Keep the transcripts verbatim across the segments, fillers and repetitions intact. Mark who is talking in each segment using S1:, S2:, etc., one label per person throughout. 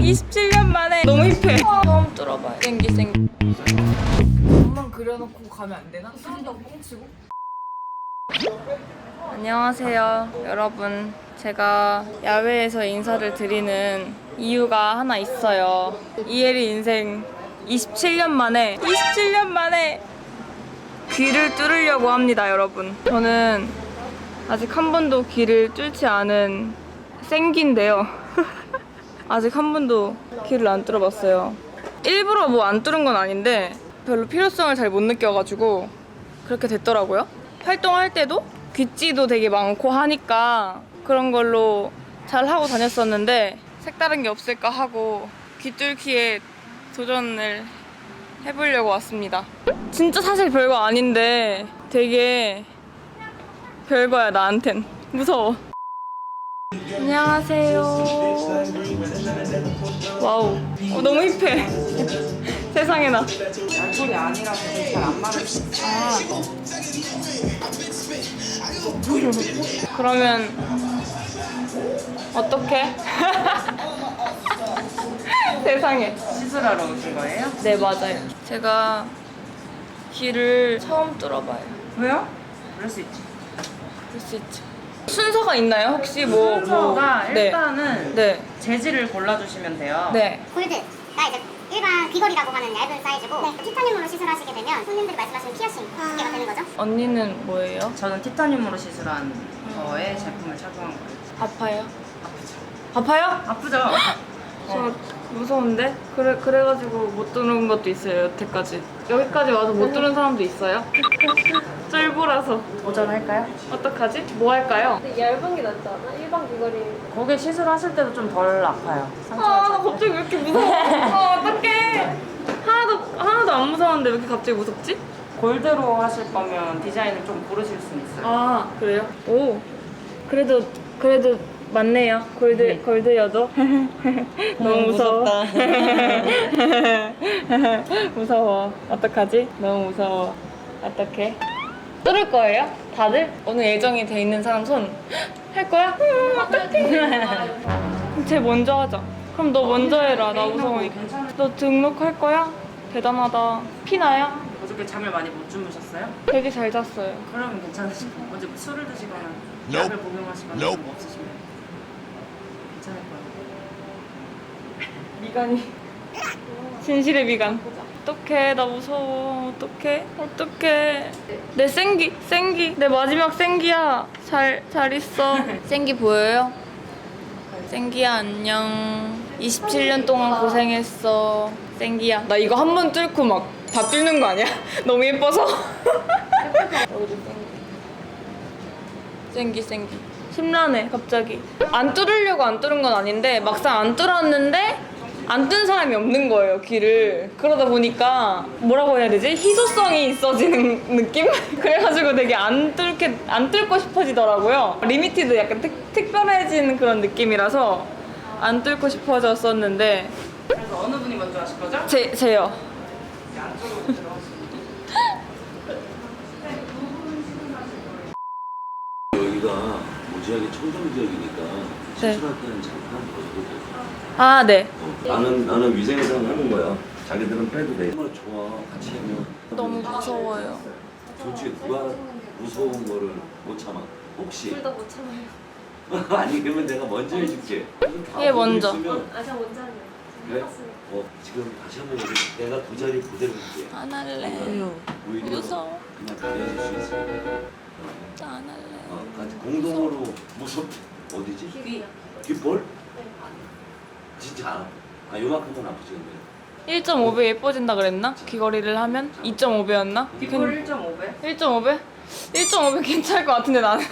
S1: 이십칠 년 만에 너무 힙해. 처음 들어봐요. 생기 생기.
S2: 몸만 그려놓고 가면 안 되나? 싼다고 뻥치고?
S1: 안녕하세요 여러분. 제가 야외에서 인사를 드리는 이유가 하나 있어요. 이혜리 인생 이십칠 년 만에 이십칠 년 만에 귀를 뚫으려고 합니다 여러분. 저는 아직 한 번도 귀를 뚫지 않은 생기인데요. 아직 한 번도 귀를 안 뚫어봤어요. 일부러 뭐 안 뚫은 건 아닌데 별로 필요성을 잘 못 느껴가지고 그렇게 됐더라고요. 활동할 때도 귀찌도 되게 많고 하니까 그런 걸로 잘 하고 다녔었는데 색다른 게 없을까 하고 귀 뚫기에 도전을 해보려고 왔습니다. 진짜 사실 별거 아닌데 되게 별거야 나한텐. 무서워. 안녕하세요. 와우. 어, 너무 힙해. 세상에나.
S2: 알코올이 아니라서 잘 안 마를 수 있어.
S1: 아. 그러면 어떡해? 세상에.
S2: 시술하러 오신 거예요?
S1: 네 맞아요. 제가 귀를 처음 뚫어봐요.
S2: 왜요? 그럴 수 있지.
S1: 그럴 수 있죠. 순서가 있나요? 혹시 뭐
S2: 순서가
S1: 뭐... 네.
S2: 일단은
S1: 네.
S2: 재질을 골라주시면 돼요.
S1: 네.
S3: 골드가 이제 일반 귀걸이라고 하는 얇은 사이즈고 네. 티타늄으로 시술하시게 되면 손님들이 말씀하시는 피어싱 두 개가 되는 거죠.
S1: 언니는 뭐예요?
S2: 저는 티타늄으로 시술한 거에 제품을 착용한 거예요.
S1: 아파요?
S2: 아프죠?
S1: 아파요?
S2: 아프죠?
S1: 저 무서운데? 그래, 그래가지고 못 뚫는 것도 있어요, 여태까지. 여기까지 와서 못 뚫는 사람도 있어요? 쫄보라서.
S2: 도전할까요?
S1: 어떡하지? 뭐 할까요?
S4: 얇은 게 낫지 않아? 일반 귀걸이.
S2: 거기 시술하실 때도 좀 덜 아파요.
S1: 아, 나 갑자기 왜 이렇게 무서워? 아, 어떡해. 하나도, 하나도 안 무서웠는데 왜 이렇게 갑자기 무섭지?
S2: 골드로 하실 거면 디자인을 좀 고르실 수는 있어요.
S1: 아, 그래요? 오. 그래도, 그래도 맞네요. 골드,
S2: 네.
S1: 골드여도. 너무 무서워. 무서워. 어떡하지? 너무 무서워. 어떡해? 뚫을 거예요? 다들? 오늘 예정이 돼 있는 사람 손 할 거야? 음, 어떡해. 쟤 먼저 하자. 그럼 너 먼저 해라. 나 무서우니까. 너 등록할 거야? 대단하다. 피나요?
S2: 어저께 잠을 많이 못 주무셨어요?
S1: 되게 잘 잤어요.
S2: 그러면 괜찮으실 거예요. 어제 술을 드시거나 약을 복용하시거나 그런 거 없으시면 괜찮을 거예요.
S1: 미간이 진실의 미간. 어떡해 나 무서워. 어떡해 어떡해. 내 생기 생기 내 마지막 생기야. 잘 잘 있어. 생기 보여요? 생기야 안녕. 이십칠 년 동안 고생했어 생기야. 나 이거 한 번 뚫고 막 다 뚫는 거 아니야? 너무 예뻐서. 여기도 생기 생기 생기. 심란해 갑자기. 안 뚫으려고 안 뚫은 건 아닌데 막상 안 뚫었는데 안 뜬 사람이 없는 거예요 귀를. 그러다 보니까 뭐라고 해야 되지? 희소성이 있어지는 느낌? 그래가지고 되게 안 뚫게 안 뚫고 싶어지더라고요. 리미티드 약간 특, 특별해진 그런 느낌이라서 안 뚫고 싶어졌었는데.
S2: 그래서 어느 분이 먼저 하실 거죠?
S1: 제 제요.
S2: 안쪽으로 들어가시면
S5: 여기가 무지하게 청정 지역이니까
S1: 네.
S5: 시술할 때는 잠깐 벗어도 돼.
S1: 아 네.
S5: 어, 나는 나는 위생상 하는 거야. 자기들은 빼도 돼. 정말 좋아. 같이 하면.
S1: 너무 무서워요.
S5: 솔직히 누가 무서운 거를 못 참아. 혹시.
S4: 둘 다 못 참아요.
S5: 아니 그러면 내가 먼저 해줄게.
S1: 얘 먼저.
S4: 아, 저 먼저 하네요.
S5: 그래? 어 지금 다시 한번 얘기해. 내가 두 자리 그대로 할게.
S1: 안 할래.
S5: 오히려
S1: 무서워.
S5: 그냥 가려줄 수 있어.
S1: 나 안 할래.
S5: 어, 같이 공동으로 무섭 어디지?
S4: 귀.
S5: 귓볼? 진짜 아 요만큼은 아프지 근데.
S1: 일 점 오 배 예뻐진다 그랬나? 귀걸이를 하면? 이 점 오 배였나?
S2: 뒷골 일 점 오 배?
S1: 일 점 오 배? 일 점 오 배 괜찮을 것 같은데 나는.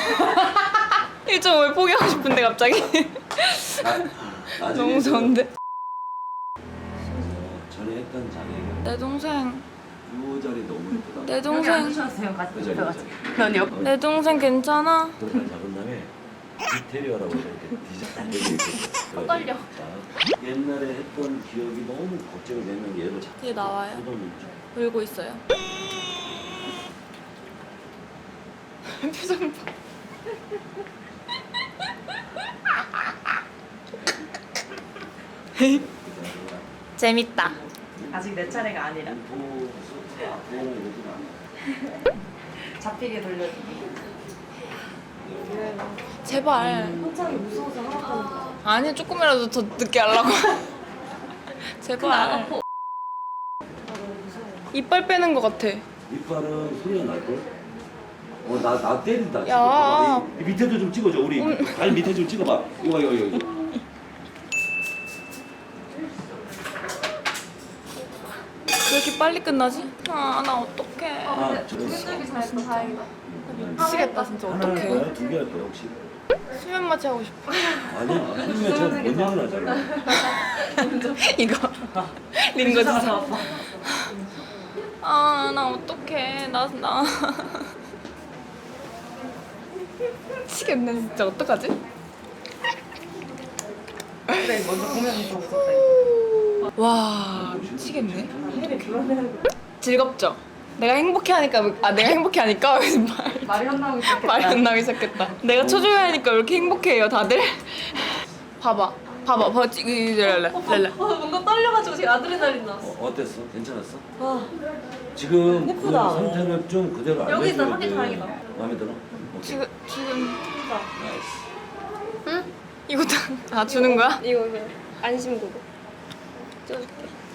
S1: 일 점 오 배 포기하고 싶은데 갑자기.
S5: 나,
S1: 너무 무서운데?
S5: 어, 전에 했던 자리가
S1: 내 동생,
S5: 요 자리 너무 예쁘다.
S1: 내
S2: 여기
S1: 동생,
S2: 앉으셨어요. 같이
S5: 그 자리
S2: 들어가세요.
S5: 그
S2: 넌 옆.
S1: 내 동생 괜찮아?
S5: 그걸 잡은 다음에 디테리어라고 이렇게 디자인 이렇게
S4: 떨려.
S5: 옛날에 했던 기억이 너무 걱정이 되면 얘를 잡.
S1: 얘 나와요.
S5: 쏟아놓죠.
S1: 울고 있어요. 표정 봐. 재밌다.
S2: 아직 내 차례가 아니라 잡히게 돌려주기.
S1: 제발.
S4: 한창이 무서워서 하나도
S1: 아니 조금이라도 더 늦게 하려고. 제발. 이빨 빼는 것 같아.
S5: 이빨은 소리가 날걸? 어, 나, 나 때린다.
S1: 야.
S5: 야. 이, 이 밑에도 좀 찍어줘. 우리 발 밑에 좀 찍어봐. 이거, 이거, 이거. 이거.
S1: 왜 이렇게 빨리 끝나지? 아, 나 어떡해.
S5: 아, 저거
S4: 힘들게 잘했어 다행이다.
S1: 미치겠다, 진짜.
S5: 하나 할
S1: 어떡해.
S5: 거야? 두 개 할 거야, 혹시?
S1: 수면 마취 하고 싶어.
S5: 아니야. 하면 제가 원양을 하잖아.
S1: 이거. 링거 주사. 아, 나 어떡해. 나, 나. 미치겠네, 진짜. 어떡하지?
S2: 그래 먼저 보면 더 무섭다.
S1: 와, 미치겠네. 즐겁죠? 내가 행복해 하니까, 아, 내가 행복해 하니까 말,
S2: 말이 혼나오기 시작했다.
S1: 말이 안 나오기 시작했다. 내가 초조해 하니까 왜 이렇게 행복해요, 다들? 봐봐. 봐봐, 봐봐. 이 랄라, 랄라.
S4: 어, 뭔가 떨려가지고 지금 아드레날린 나왔어.
S5: 어, 어땠어? 괜찮았어?
S4: 와.
S5: 지금 그
S4: 예쁘다.
S5: 상태를 좀 그대로
S4: 여기
S5: 알려줘야
S4: 있다, 하기
S5: 돼.
S4: 다행이다.
S5: 마음에 들어? 오케이.
S1: 지금, 지금.
S5: 나이스.
S1: 응? 이거 다, 아, 주는 거야?
S4: 이거 이거 안심구도 찍어줄게.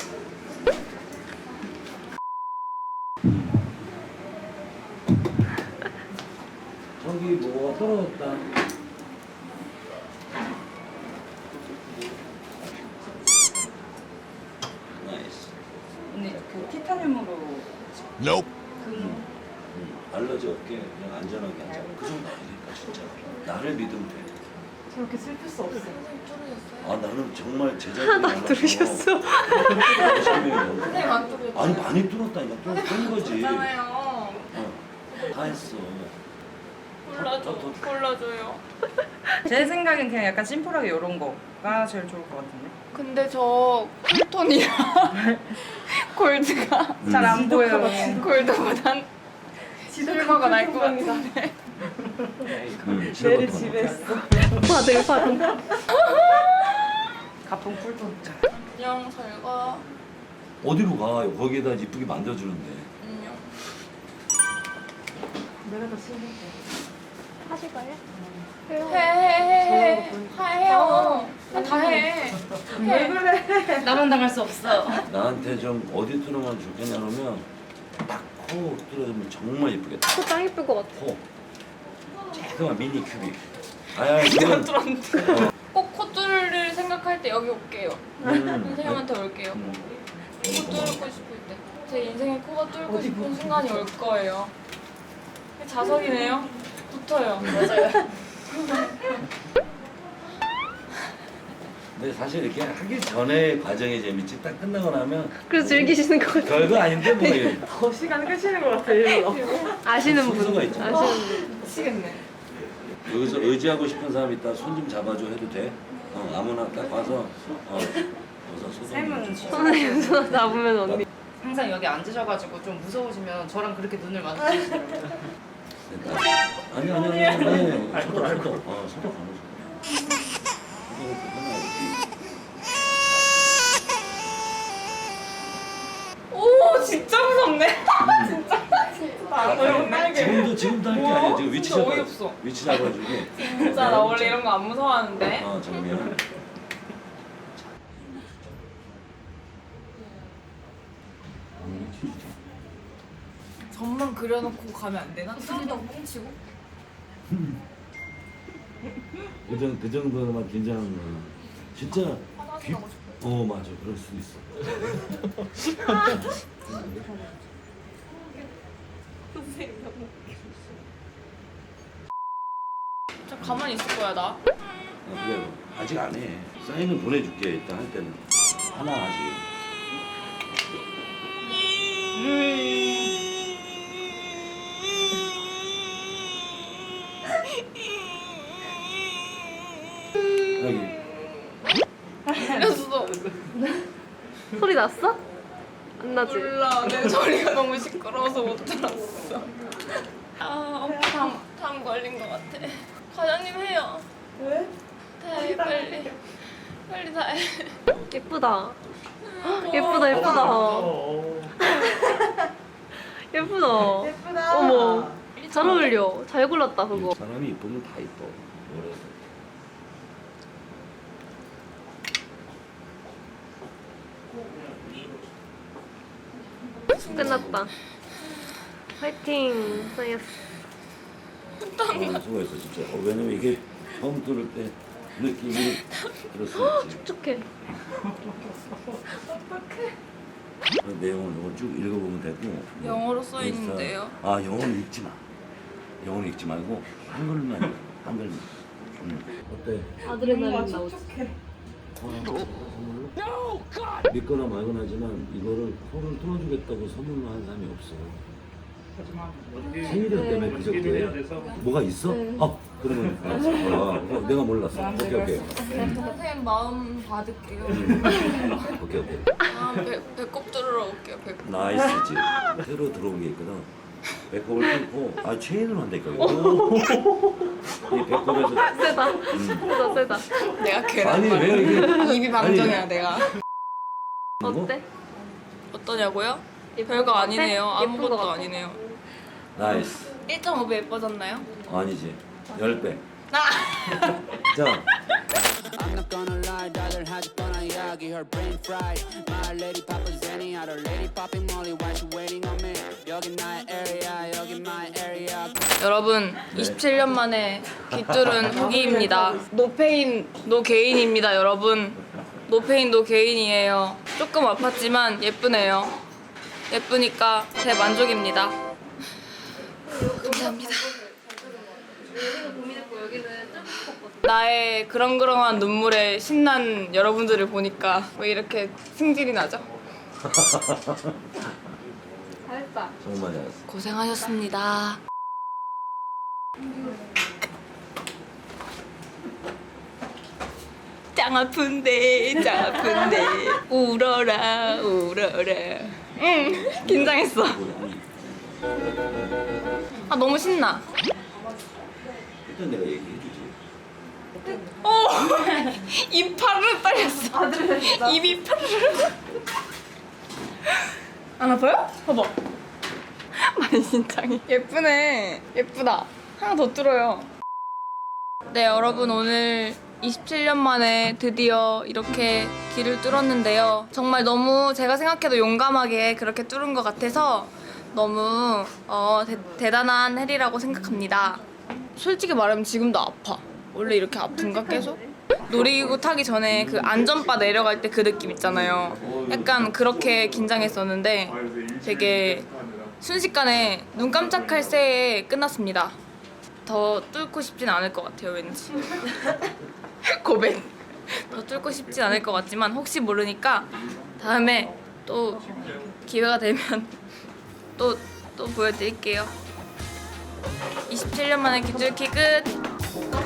S5: 저기 뭐가 떨어졌다. 나이스.
S2: 언니 그 티타늄으로
S6: Nope.
S2: 금
S5: 알러지 없게 그냥 안전하게 하자. 그 정도 아니니까 진짜. 나를 믿으면 돼.
S2: 저렇게 슬플 수 없어.
S5: 아 나는 정말 제자들이 많아서
S1: 들으셨어?
S5: 열심히 해요.
S1: 선생님 안 뚫었죠?
S5: 아니 많이 뚫었다니까. 뚫- 뚫은 거지.
S1: 있잖아요.
S5: 어. 다 했어.
S1: 골라줘, 골라줘요.
S2: 제 생각엔 그냥 약간 심플하게 이런 거가 제일 좋을 것 같은데.
S1: 근데 저 쿨톤이랑 골드가
S2: 잘 안 보여요.
S1: 골드보단 실버가 날 것 같은데.
S5: 응,
S2: 내일
S5: 실버톤.
S2: 집에 있어.
S4: 파들 파들.
S2: 가품 쿨톤.
S1: 안녕, 잘 가.
S5: 어디로 가? 거기에다 이쁘게 만들어주는데.
S1: 안녕.
S2: 내가 더 신기해.
S4: 하실까요?
S1: 해, 해, 해. 다 해요. 다 해.
S2: 왜 그래? 나만 당할 수 없어.
S5: 나한테 좀 어디 뚫으면 좋겠냐 그러면 딱 코 뚫어주면 정말 이쁘겠다.
S4: 코짱 예쁠 것 같아.
S5: 코. 조그만 미니 큐빅. 아야
S1: 진짜
S5: 그건
S1: 뚫었는데.
S5: 어.
S1: 꼭 콧뚫을 생각할 때 여기 올게요.
S5: 음.
S1: 선생님한테 올게요.
S5: 음.
S1: 코 뚫고 싶을 때. 제 인생에 코가 뚫고 싶은 순간이 올 거예요. 자석이네요. 붙어요. 맞아요.
S5: 근데 사실 이렇게 하기 전에 과정이 재밌지 딱 끝나고 나면
S4: 그래서 즐기시는 것 같아.
S5: 별거 아닌데 뭐 이게
S2: 더 시간 끄시는 것 같아. 일로.
S4: 아시는 분.
S5: 순서가 있잖아.
S4: 아시는 분.
S1: 미치겠네.
S5: 여기서 의지하고 싶은 사람 있다 손 좀 잡아줘 해도 돼? 어 아무나 딱 와서 어 여기서 소송
S2: 쌤은
S4: 선생님 손 잡으면 언니.
S2: 항상 여기 앉으셔가지고 좀 무서우시면 저랑 그렇게 눈을 마주치시더라고요.
S5: 아니 아니 아니 아니 소독 소독 어 소독 안 해줘 소독을 또 해놔야지.
S1: 오, 진짜 무섭네. 진짜. 나 너무 빨개.
S5: 지금도 지금도 할 게 아니야 지금 위치
S1: 진짜
S5: 잡아
S1: 어이없어.
S5: 위치 잡아주기
S1: 진짜 나 원래 이런 거 안 무서워하는데.
S5: 어 정면
S1: 점만 그려놓고 가면 안 되나? 뚜리덩 뭉치고.
S5: 그, 정, 그 정도만 긴장하면 진짜 귀... 어 맞아 그럴 수도 있어.
S1: 저 가만히 있을 거야 나.
S5: 아, 그래 아직 안 해. 사인은 보내줄게 일단 할 때는 하나 아직. 여기
S1: 들렸어.
S4: 소리 났어? 안 나지?
S1: 몰라. 내 소리가 너무 시끄러워서 못 들었어. 아, 오빠 담, 담 걸린 것 같아. 과장님 해요.
S2: 왜?
S1: 네, 빨리. 빨리 다 해.
S4: 예쁘다. 예쁘다 예쁘다. 예쁘다. 예쁘다. 어머. 잘 어울려. 잘 골랐다 그거.
S5: 사람이 이쁘면 다 이뻐. 뭐래서.
S4: 끝났다. 화이팅. 사이언스.
S5: 어, 수고했어 진짜. 어, 왜냐면 이게 처음 들을 때 느낌이 그럴 수 있지.
S4: 축축해.
S5: 그 내용을 이거 쭉 읽어보면 되고. 뭐
S1: 영어로 써
S5: 인스타-
S1: 있는데요.
S5: 아 영어는 읽지 마. 영어는 읽지 말고 한글만 읽어. 한글만. 응. 어때?
S4: 아드레날린 나오지.
S5: 믿거나 말거나 하지만 이거를 코를 뚫어주겠다고 선물로 한 사람이 없어. 생일이 때문에 그저께 뭐가 있어? 아 그러면 알았어. 아, 어, 내가 몰랐어. 오케이 오케이.
S1: 선생님 마음 받을게요.
S5: 오케이 오케이.
S1: 아, 배, 배꼽 들으러 올게요. 배꼽.
S5: 나이스지. 새로 들어온 게 있거든. 배꼽을 뚫고 아 체인을 한다니까. 이 배꼽에서
S4: 세다.
S5: 음.
S4: 세다 세다.
S1: 내가 걔랑
S5: 아니 왜 이게
S1: 입이 방정이야 내가.
S4: 어때?
S1: 어떠냐고요?
S4: 예쁜
S1: 별거
S4: 것 같아?
S1: 아니네요.
S4: 예쁜
S1: 아무것도
S4: 것 같아?
S1: 아니네요.
S5: 나이스.
S1: 일 점 오 배 예뻐졌나요?
S5: 아니지. 열 배.
S1: 아!
S5: 자.
S6: I'm not gonna lie, 다들 하지 뻔한 이야기, her brain fried. My lady papa Zenny, other lady popping Molly, why she waiting on me? 여긴 나의 area, 여긴 my area.
S1: 여러분, 이십칠 년 만에 깃뚫은 후기입니다. 노페인, 노게인입니다, 여러분. 노페인, 노게인이에요. 조금 아팠지만 예쁘네요. 예쁘니까 대만족입니다. 감사합니다. 나의 그렁그렁한 눈물에 신난 여러분들을 보니까 왜 이렇게 승질이 나죠?
S4: 잘했다.
S5: 정말 잘했어.
S1: 고생하셨습니다. 짱 아픈데 짱 아픈데 울어라 울어라. 응 긴장했어. 아 너무 신나.
S5: 일단 내가 얘기해주지.
S1: 오! 입 파르르 떨렸어. 입이 파르르. 안 아파요? 봐봐. 만신창이. 예쁘네. 예쁘다. 하나 더 뚫어요. 네, 여러분 오늘 이십칠 년 만에 드디어 이렇게 길을 뚫었는데요. 정말 너무 제가 생각해도 용감하게 그렇게 뚫은 것 같아서 너무 어, 대, 대단한 해리라고 생각합니다. 솔직히 말하면 지금도 아파. 원래 이렇게 아픈가 계속? 놀이기구 타기 전에 그 안전바 내려갈 때 그 느낌 있잖아요. 약간 그렇게 긴장했었는데 되게 순식간에 눈 깜짝할 새에 끝났습니다. 더 뚫고 싶진 않을 것 같아요, 왠지. 고백. 더 뚫고 싶진 않을 것 같지만 혹시 모르니까 다음에 또 기회가 되면 또, 또 보여드릴게요. 이십칠 년 만에 깃뚫기 끝!